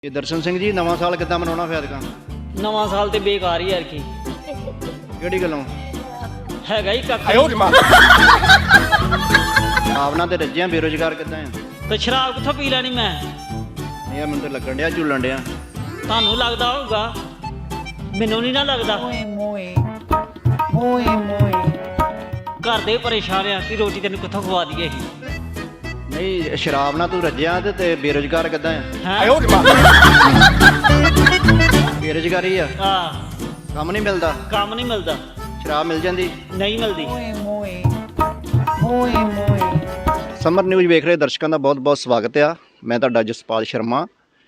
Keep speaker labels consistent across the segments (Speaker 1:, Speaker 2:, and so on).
Speaker 1: ये दर्शन सिंह जी नवा साल किद्दां मनाउणा फिर ऐतकां?
Speaker 2: नवां साल ते बेकार ही यार की
Speaker 1: किहड़ी गल्लों?
Speaker 2: हैगा ही कक्ख
Speaker 1: भावना ते रज्जियां बेरोजगार किद्दां आ?
Speaker 2: ते शराब कित्थों पी लैनी मैं?
Speaker 1: यार मैनूं तां लगण डिया झूलन डिया।
Speaker 2: ਤੁਹਾਨੂੰ ਲੱਗਦਾ ਹੋਊਗਾ ਮੈਨੂੰ ਨਹੀਂ ਨਾ ਲੱਗਦਾ ਘਰ ਦੇ ਪਰੇਸ਼ਾਨ ਆ ਕਿ ਰੋਟੀ ਤੈਨੂੰ ਕਿੱਥੋਂ ਖਵਾ ਦਈਏ ਅਸੀਂ
Speaker 1: नहीं शराब ना तू रज्जिया ते बेरोजगार किद्दां आ?
Speaker 2: ਹੈਂ?
Speaker 1: बेरोजगारी आ,
Speaker 2: ਹਾਂ
Speaker 1: काम नहीं मिलदा,
Speaker 2: ਕੰਮ ਨਹੀਂ ਮਿਲਦਾ
Speaker 1: शराब मिल जांदी।
Speaker 2: ਨਹੀਂ ਮਿਲਦੀ
Speaker 1: ਸਮਰ ਨਿਊਜ਼ ਵੇਖ ਰਹੇ ਦਰਸ਼ਕਾਂ ਦਾ ਬਹੁਤ-ਬਹੁਤ ਸਵਾਗਤ ਆ। ਮੈਂ ਤੁਹਾਡਾ ਜਸਪਾਲ ਸ਼ਰਮਾ।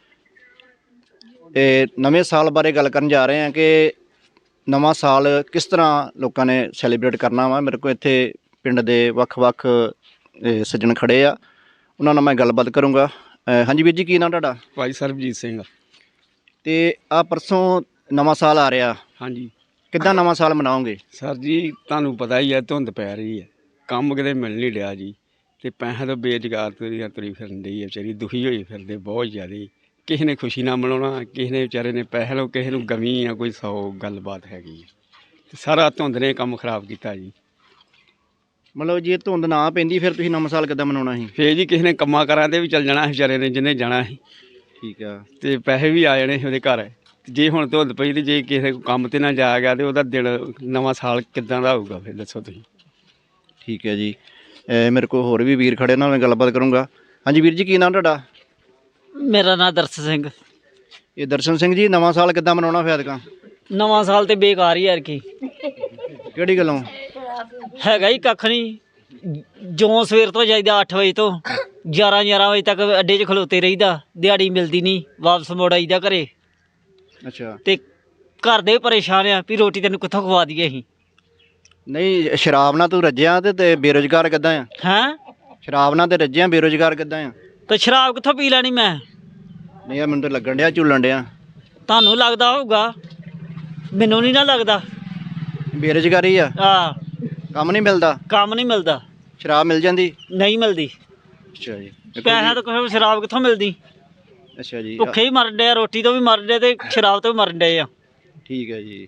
Speaker 1: ਇਹ ਨਵੇਂ ਸਾਲ ਬਾਰੇ ਗੱਲ ਕਰਨ ਜਾ ਰਹੇ ਹਾਂ ਕਿ ਨਵਾਂ ਸਾਲ ਕਿਸ ਤਰ੍ਹਾਂ ਲੋਕਾਂ ਨੇ ਸੈਲੀਬ੍ਰੇਟ ਕਰਨਾ ਵਾ। ਮੇਰੇ ਕੋਲ ਇੱਥੇ ਪਿੰਡ ਦੇ ਵੱਖ-ਵੱਖ ਸੱਜਣ ਖੜੇ ਆ, ਉਹਨਾਂ ਨਾਲ ਮੈਂ ਗੱਲਬਾਤ ਕਰੂੰਗਾ। ਹਾਂਜੀ ਵੀਰ ਜੀ, ਕੀ ਨਾਮ ਤੁਹਾਡਾ?
Speaker 3: ਭਾਈ ਸਰਬਜੀਤ ਸਿੰਘ।
Speaker 1: ਤੇ ਆ ਪਰਸੋਂ ਨਵਾਂ ਸਾਲ ਆ ਰਿਹਾ,
Speaker 3: ਹਾਂਜੀ
Speaker 1: ਕਿੱਦਾਂ ਨਵਾਂ ਸਾਲ ਮਨਾਓਗੇ?
Speaker 3: ਸਰ ਜੀ, ਤੁਹਾਨੂੰ ਪਤਾ ਹੀ ਹੈ ਧੁੰਦ ਪੈ ਰਹੀ ਹੈ, ਕੰਮ ਕਿਤੇ ਮਿਲ ਨਹੀਂ ਰਿਹਾ ਜੀ, ਤੇ ਪੈਸਿਆਂ ਤੋਂ ਬੇਰੁਜ਼ਗਾਰ ਤੁਰੀ ਫਿਰਨ ਡਈ ਹੈ ਵਿਚਾਰੀ, ਦੁਖੀ ਹੋਈ ਫਿਰਦੇ ਬਹੁਤ ਜ਼ਿਆਦਾ। ਕਿਸੇ ਨੇ ਖੁਸ਼ੀ ਨਾਲ ਮਨਾਉਣਾ, ਕਿਸੇ ਨੇ ਵਿਚਾਰੇ ਨੇ ਪੈਸੇ ਲਓ, ਕਿਸੇ ਨੂੰ ਗਮੀ ਆ, ਕੋਈ 100 ਗੱਲਬਾਤ ਹੈਗੀ ਹੈ, ਤੇ ਸਾਰਾ ਧੁੰਦ ਨੇ ਕੰਮ ਖਰਾਬ ਕੀਤਾ ਜੀ।
Speaker 1: ਮਤਲਬ ਜੇ ਧੁੰਦ ਨਾ ਪੈਂਦੀ ਫਿਰ ਤੁਸੀਂ ਨਵਾਂ ਸਾਲ ਕਿੱਦਾਂ ਮਨਾਉਣਾ ਸੀ?
Speaker 3: ਫੇਰ ਜੀ ਕਿਸੇ ਨੇ ਕੰਮਾਂ ਕਾਰਾਂ 'ਤੇ ਵੀ ਚੱਲ ਜਾਣਾ ਵਿਚਾਰੇ ਨੇ, ਜਿਹਨੇ ਜਾਣਾ ਸੀ,
Speaker 1: ਠੀਕ ਆ।
Speaker 3: ਤੇ ਪੈਸੇ ਵੀ ਆ ਜਾਣੇ ਸੀ ਉਹਦੇ ਘਰ। ਜੇ ਹੁਣ ਧੁੰਦ ਪਈ ਤੇ ਜੇ ਕਿਸੇ ਕੰਮ 'ਤੇ ਨਾ ਜਾ ਗਿਆ ਤੇ ਉਹਦਾ ਦਿਨ ਨਵਾਂ ਸਾਲ ਕਿੱਦਾਂ ਦਾ ਹੋਊਗਾ ਫਿਰ ਦੱਸੋ ਤੁਸੀਂ।
Speaker 1: ਠੀਕ ਹੈ ਜੀ। ਮੇਰੇ ਕੋਲ ਹੋਰ ਵੀ ਵੀਰ ਖੜੇ, ਨਾਲ ਮੈਂ ਗੱਲਬਾਤ ਕਰੂੰਗਾ। ਹਾਂਜੀ ਵੀਰ ਜੀ, ਕੀ ਨਾਮ ਤੁਹਾਡਾ?
Speaker 2: ਮੇਰਾ ਨਾਂ ਦਰਸ਼ਨ ਸਿੰਘ।
Speaker 1: ਇਹ ਦਰਸ਼ਨ ਸਿੰਘ ਜੀ, ਨਵਾਂ ਸਾਲ ਕਿੱਦਾਂ ਮਨਾਉਣਾ ਫਿਰ ਐਤਕਾਂ?
Speaker 2: ਨਵਾਂ ਸਾਲ ਤੇ ਬੇਕਾਰ ਹੀ ਯਾਰ ਕੀ
Speaker 1: ਕਿਹੜੀ ਗੱਲੋਂ?
Speaker 2: ਹੈਗਾ ਹੀ ਕੱਖ ਨਹੀਂ। ਜੋ ਸਵੇਰ ਤੋਂ ਜਾਈਦਾ 8 ਵਜੇ ਤੋਂ 11 ਵਜੇ ਤੱਕ ਅੱਡੇ 'ਚ ਖਲੋਤੇ ਰਹੀਦਾ, ਦਿਹਾੜੀ ਮਿਲਦੀ ਨਹੀਂ, ਵਾਪਸ ਮੁੜ ਆਈਦਾ ਘਰੇ,
Speaker 1: ਅੱਛਾ।
Speaker 2: ਤੇ ਘਰ ਦੇ ਪਰੇਸ਼ਾਨ ਆ ਵੀ ਰੋਟੀ ਤੈਨੂੰ ਕਿੱਥੋਂ ਖਵਾ ਦਈਏ ਅਸੀਂ।
Speaker 1: ਨਹੀਂ ਸ਼ਰਾਬ ਨਾਲ ਤੂੰ ਰੱਜਿਆ ਤੇ ਬੇਰੁਜ਼ਗਾਰ ਕਿੱਦਾਂ ਆ?
Speaker 2: ਹੈਂ?
Speaker 1: ਸ਼ਰਾਬ ਨਾਲ ਤੇ ਰੱਜਿਆ, ਬੇਰੁਜ਼ਗਾਰ ਕਿੱਦਾਂ ਆ?
Speaker 2: ਤੇ ਸ਼ਰਾਬ ਕਿੱਥੋਂ ਪੀ ਲੈਣੀ ਮੈਂ?
Speaker 1: ਨਹੀਂ ਯਾਰ ਮੈਨੂੰ ਤਾਂ ਲੱਗਣ ਡਿਆ ਝੂਲਣ ਡਿਆ।
Speaker 2: ਤੁਹਾਨੂੰ ਲੱਗਦਾ ਹੋਊਗਾ ਮੈਨੂੰ ਨਹੀਂ ਨਾ ਲੱਗਦਾ।
Speaker 1: ਬੇਰੁਜ਼ਗਾਰੀ ਆ, ਕੰਮ ਨਹੀਂ ਮਿਲਦਾ,
Speaker 2: ਕੰਮ ਨਹੀਂ ਮਿਲਦਾ,
Speaker 1: ਸ਼ਰਾਬ ਮਿਲ ਜਾਂਦੀ?
Speaker 2: ਨਹੀਂ ਮਿਲਦੀ।
Speaker 1: ਅੱਛਾ ਜੀ।
Speaker 2: ਪੈਸਾ ਤਾਂ ਕੋਈ ਸ਼ਰਾਬ ਕਿੱਥੋਂ ਮਿਲਦੀ?
Speaker 1: ਅੱਛਾ ਜੀ,
Speaker 2: ਭੁੱਖੇ ਹੀ ਮਰਨ ਡੇ ਆ, ਰੋਟੀ ਤੋਂ ਵੀ ਮਰਨ ਡੇ ਤੇ ਸ਼ਰਾਬ ਤੋਂ ਵੀ ਮਰਨ ਡੇ ਆ।
Speaker 1: ਠੀਕ ਹੈ ਜੀ।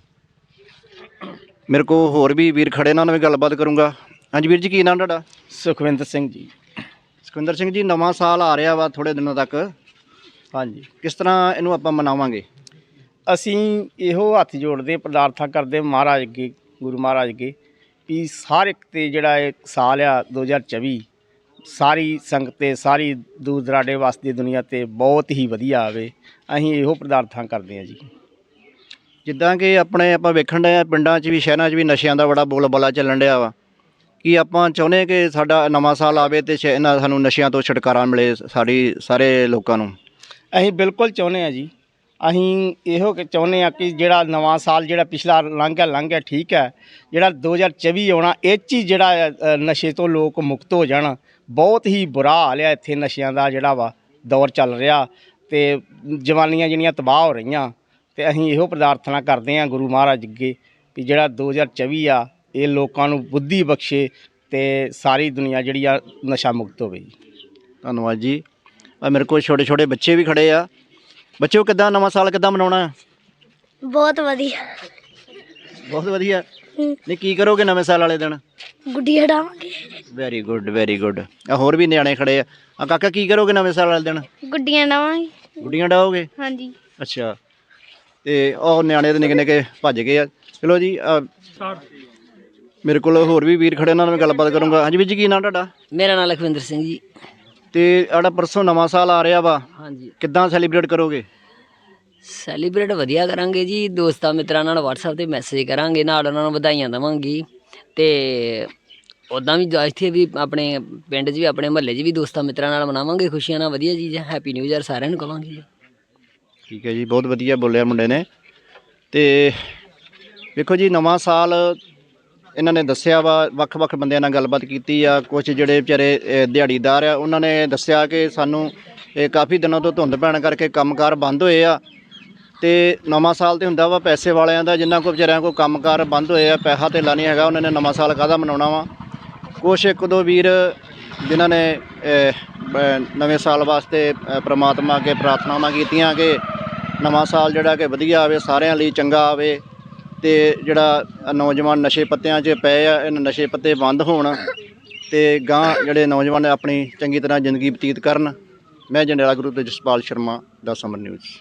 Speaker 1: ਮੇਰੇ ਕੋਲ ਹੋਰ ਵੀ ਵੀਰ ਖੜੇ, ਨਾਲ ਮੈਂ ਗੱਲਬਾਤ ਕਰੂੰਗਾ। ਹਾਂਜੀ ਵੀਰ ਜੀ, ਕੀ ਨਾਮ ਤੁਹਾਡਾ?
Speaker 3: ਸੁਖਵਿੰਦਰ ਸਿੰਘ ਜੀ।
Speaker 1: ਸੁਖਵਿੰਦਰ ਸਿੰਘ ਜੀ, ਨਵਾਂ ਸਾਲ ਆ ਰਿਹਾ ਵਾ ਥੋੜ੍ਹੇ ਦਿਨਾਂ ਤੱਕ,
Speaker 3: ਹਾਂਜੀ,
Speaker 1: ਕਿਸ ਤਰ੍ਹਾਂ ਇਹਨੂੰ ਆਪਾਂ ਮਨਾਵਾਂਗੇ?
Speaker 3: ਅਸੀਂ ਇਹੋ ਹੱਥ ਜੋੜਦੇ ਪ੍ਰਾਰਥਨਾ ਕਰਦੇ ਮਹਾਰਾਜ ਅੱਗੇ, ਗੁਰੂ ਮਹਾਰਾਜ ਅੱਗੇ, ਵੀ ਹਰ ਇੱਕ 'ਤੇ ਜਿਹੜਾ ਇਹ ਸਾਲ ਆ 2024 ਸਾਰੀ ਸੰਗਤ 'ਤੇ, ਸਾਰੀ ਦੂਰ ਦਰਾਡੇ ਵਾਸਤੇ ਦੁਨੀਆ 'ਤੇ ਬਹੁਤ ਹੀ ਵਧੀਆ ਆਵੇ। ਅਸੀਂ ਇਹੋ ਪ੍ਰਾਰਥਨਾ ਕਰਦੇ ਹਾਂ ਜੀ।
Speaker 1: ਜਿੱਦਾਂ ਕਿ ਆਪਾਂ ਵੇਖਣ ਡਏ ਆ ਪਿੰਡਾਂ 'ਚ ਵੀ ਸ਼ਹਿਰਾਂ 'ਚ ਵੀ ਨਸ਼ਿਆਂ ਦਾ ਬੜਾ ਬੋਲਬਾਲਾ ਚੱਲਣ ਡਿਆ ਵਾ, ਕੀ ਆਪਾਂ ਚਾਹੁੰਦੇ ਕਿ ਸਾਡਾ ਨਵਾਂ ਸਾਲ ਆਵੇ ਤੇ ਇਹਨਾਂ ਸਾਨੂੰ ਨਸ਼ਿਆਂ ਤੋਂ ਛੁਟਕਾਰਾ ਮਿਲੇ ਸਾਰੇ ਲੋਕਾਂ ਨੂੰ?
Speaker 3: ਅਸੀਂ ਬਿਲਕੁਲ ਚਾਹੁੰਦੇ ਹਾਂ ਜੀ। ਅਸੀਂ ਇਹੋ ਚਾਹੁੰਦੇ ਹਾਂ ਕਿ ਜਿਹੜਾ ਨਵਾਂ ਸਾਲ ਜਿਹੜਾ ਪਿਛਲਾ ਲੰਘ ਗਿਆ ਠੀਕ ਹੈ, ਜਿਹੜਾ 2024 ਆਉਣਾ ਇਹ 'ਚ ਹੀ ਜਿਹੜਾ ਨਸ਼ੇ ਤੋਂ ਲੋਕ ਮੁਕਤ ਹੋ ਜਾਣ। ਬਹੁਤ ਹੀ ਬੁਰਾ ਹਾਲ ਆ ਇੱਥੇ ਨਸ਼ਿਆਂ ਦਾ ਜਿਹੜਾ ਵਾ ਦੌਰ ਚੱਲ ਰਿਹਾ, ਤੇ ਜਵਾਨੀਆਂ ਜਿਹੜੀਆਂ ਤਬਾਹ ਹੋ ਰਹੀਆਂ, ਤੇ ਅਸੀਂ ਇਹੋ ਪ੍ਰਾਰਥਨਾ ਕਰਦੇ ਹਾਂ ਗੁਰੂ ਮਹਾਰਾਜ ਅੱਗੇ ਵੀ ਜਿਹੜਾ 2024 ਆ ਇਹ ਲੋਕਾਂ ਨੂੰ ਬੁੱਧੀ ਬਖਸ਼ੇ ਤੇ ਸਾਰੀ ਦੁਨੀਆ ਜਿਹੜੀ ਆ ਨਸ਼ਾ ਮੁਕਤ ਹੋਵੇ ਜੀ।
Speaker 1: ਧੰਨਵਾਦ ਜੀ। ਮੇਰੇ ਕੋਲ ਛੋਟੇ ਬੱਚੇ ਵੀ ਖੜੇ ਆ। ਬੱਚਿਓ, ਕਿੱਦਾਂ ਨਵਾਂ ਸਾਲ ਕਿੱਦਾਂ ਮਨਾਉਣਾ?
Speaker 4: ਬਹੁਤ ਵਧੀਆ।
Speaker 1: ਬਹੁਤ ਵਧੀਆ। ਨਹੀਂ ਕੀ ਕਰੋਗੇ ਨਵੇਂ ਸਾਲ ਵਾਲੇ ਦਿਨ?
Speaker 4: ਗੁੱਡੀ ਹਟਾਵਾਂਗੇ।
Speaker 1: Very good, very good. ਹੋਰ ਵੀ ਨਿਆਣੇ ਖੜੇ ਆ। ਕਾਕਾ, ਕੀ ਕਰੋਗੇ ਨਵੇਂ ਸਾਲ ਵਾਲੇ ਦਿਨ?
Speaker 4: ਗੁੱਡੀਆਂ ਡਾਵਾਂਗੇ।
Speaker 1: ਗੁੱਡੀਆਂ ਡਾਓਗੇ?
Speaker 4: ਹਾਂਜੀ।
Speaker 1: ਅੱਛਾ। ਤੇ ਉਹ ਨਿਆਣੇ ਤੇ ਨਿੱਕੇ ਭੱਜ ਗਏ ਆ। ਚਲੋ ਜੀ, ਮੇਰੇ ਕੋਲ ਹੋਰ ਵੀ ਵੀਰ ਖੜੇ, ਉਹਨਾਂ ਨਾਲ ਮੈਂ ਗੱਲਬਾਤ ਕਰੂੰਗਾ। ਹਾਂਜੀ ਵੀਰ ਜੀ, ਕੀ ਨਾਮ ਤੁਹਾਡਾ?
Speaker 2: ਮੇਰਾ ਨਾਮ ਲਖਵਿੰਦਰ ਸਿੰਘ ਜੀ।
Speaker 1: ਤੇ ਆੜਾ ਪਰਸੋਂ ਨਵਾਂ ਸਾਲ ਆ ਰਿਹਾ ਵਾ,
Speaker 2: ਹਾਂਜੀ,
Speaker 1: ਕਿੱਦਾਂ ਸੈਲੀਬ੍ਰੇਟ ਕਰੋਗੇ?
Speaker 2: ਸੈਲੀਬ੍ਰੇਟ ਵਧੀਆ ਕਰਾਂਗੇ ਜੀ। ਦੋਸਤਾਂ ਮਿੱਤਰਾਂ ਨਾਲ WhatsApp 'ਤੇ ਮੈਸੇਜ ਕਰਾਂਗੇ, ਨਾਲ ਉਹਨਾਂ ਨੂੰ ਵਧਾਈਆਂ ਦੇਵਾਂਗੇ, ਤੇ ਉੱਦਾਂ ਵੀ ਇੱਥੇ ਵੀ ਆਪਣੇ ਪਿੰਡ 'ਚ ਵੀ ਆਪਣੇ ਮੁਹੱਲੇ 'ਚ ਵੀ ਦੋਸਤਾਂ ਮਿੱਤਰਾਂ ਨਾਲ ਮਨਾਵਾਂਗੇ ਖੁਸ਼ੀਆਂ ਨਾਲ। ਵਧੀਆ ਚੀਜ਼ ਹੈ। ਹੈਪੀ ਨਿਊ ਈਅਰ ਸਾਰਿਆਂ ਨੂੰ ਕਹਾਂਗੇ ਜੀ।
Speaker 1: ਠੀਕ ਹੈ ਜੀ, ਬਹੁਤ ਵਧੀਆ ਬੋਲਿਆ ਮੁੰਡੇ ਨੇ। ਤੇ ਵੇਖੋ ਜੀ, ਨਵਾਂ ਸਾਲ ਇਹਨਾਂ ਨੇ ਦੱਸਿਆ ਵਾ, ਵੱਖ-ਵੱਖ ਬੰਦਿਆਂ ਨਾਲ ਗੱਲਬਾਤ ਕੀਤੀ ਆ। ਕੁਛ ਜਿਹੜੇ ਵਿਚਾਰੇ ਦਿਹਾੜੀਦਾਰ ਆ, ਉਹਨਾਂ ਨੇ ਦੱਸਿਆ ਕਿ ਸਾਨੂੰ ਕਾਫੀ ਦਿਨਾਂ ਤੋਂ ਧੁੰਦ ਪੈਣ ਕਰਕੇ ਕੰਮਕਾਰ ਬੰਦ ਹੋਏ ਆ, ਤੇ ਨਵਾਂ ਸਾਲ ਤੇ ਹੁੰਦਾ ਵਾ ਪੈਸੇ ਵਾਲਿਆਂ ਦਾ, ਜਿਨ੍ਹਾਂ ਕੋਲ ਵਿਚਾਰਿਆਂ ਕੋਲ ਕੰਮਕਾਰ ਬੰਦ ਹੋਏ ਆ, ਪੈਸਾ ਧੇਲਾ ਨਹੀਂ ਹੈਗਾ, ਉਹਨਾਂ ਨੇ ਨਵਾਂ ਸਾਲ ਕਾਹਦਾ ਮਨਾਉਣਾ ਵਾ। ਕੁਛ ਇੱਕ ਦੋ ਵੀਰ ਜਿਨ੍ਹਾਂ ਨੇ ਨਵੇਂ ਸਾਲ ਵਾਸਤੇ ਪ੍ਰਮਾਤਮਾ ਅੱਗੇ ਪ੍ਰਾਰਥਨਾਵਾਂ ਕੀਤੀਆਂ ਕਿ ਨਵਾਂ ਸਾਲ ਜਿਹੜਾ ਕਿ ਵਧੀਆ ਆਵੇ, ਸਾਰਿਆਂ ਲਈ ਚੰਗਾ ਆਵੇ ਤੇ ਜਿਹੜਾ ਨੌਜਵਾਨ ਨਸ਼ੇ ਪੱਤਿਆਂ 'ਚ ਪਏ ਆ, ਇਹ ਨਸ਼ੇ ਪੱਤੇ ਬੰਦ ਹੋਣ ਤੇ ਗਾਂਹ ਜਿਹੜੇ ਨੌਜਵਾਨ ਆਪਣੀ ਚੰਗੀ ਤਰ੍ਹਾਂ ਜ਼ਿੰਦਗੀ ਬਤੀਤ ਕਰਨ। ਮੈਂ ਜੰਡਿਆਲਾ ਗੁਰੂ ਤੋਂ ਜਸਪਾਲ ਸ਼ਰਮਾ ਦਾ ਸਮਰ ਨਿਊਜ਼।